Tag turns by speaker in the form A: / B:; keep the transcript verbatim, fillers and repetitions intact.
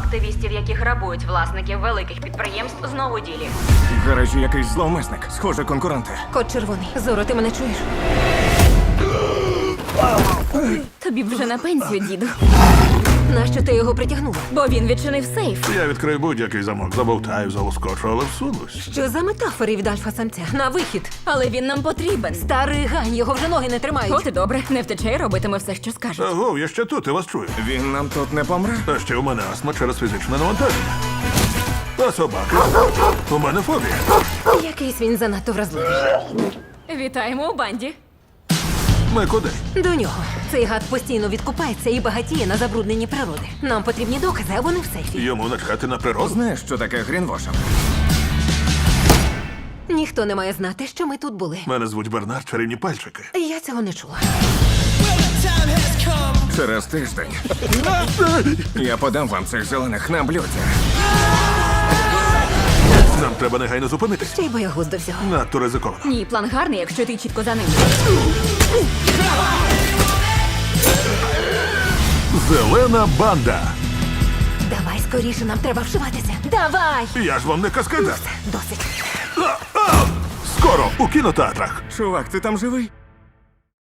A: активістів, які грабують власників великих підприємств, знову у ділі.
B: В гаражі якийсь зловмисник. Схоже, конкуренти.
C: Кот червоний. Зоро, ти мене чуєш?
D: Тобі б вже на пенсію, діду.
C: Нащо ти його притягнула?
D: Бо він відчинив сейф.
E: Я відкрию будь-який замок, забовтаю, заускочу, але всунусь.
C: Що за метафори від альфа-самця? На вихід.
D: Але він нам потрібен.
C: Старий гань, його вже ноги не тримають.
D: От і добре, не втече і робитиме все, що скаже.
E: Агов, я ще тут, я вас чую.
B: Він нам тут не помре?
E: А ще у мене астма через фізичне навантаження. А собаки? У мене фобія.
C: Якийсь він занадто вразливий.
D: Вітаємо у банді.
E: Ми куди?
C: До нього. Цей гад постійно відкупається і багатіє на забрудненні природи. Нам потрібні докази, а вони в сейфі.
E: Йому начхати на природу?
B: Знаєш, що таке грінвошинг?
C: Ніхто не має знати, що ми тут були.
E: Мене звуть Бернард, чарівні пальчики.
C: Я цього не чула.
B: Через тиждень. Я подам вам цих зелених на блюдці.
E: Нам треба негайно зупинитись.
C: Ще й боягуз до всього.
E: Надто ризиковано.
D: Ні, план гарний, якщо ти чітко за ним.
E: Зелена банда.
C: Давай скоріше, нам треба вшиватися. Давай!
E: Я ж вам не каскадер.
C: Досить.
E: А, а! Скоро у кінотеатрах.
B: Чувак, ти там живий?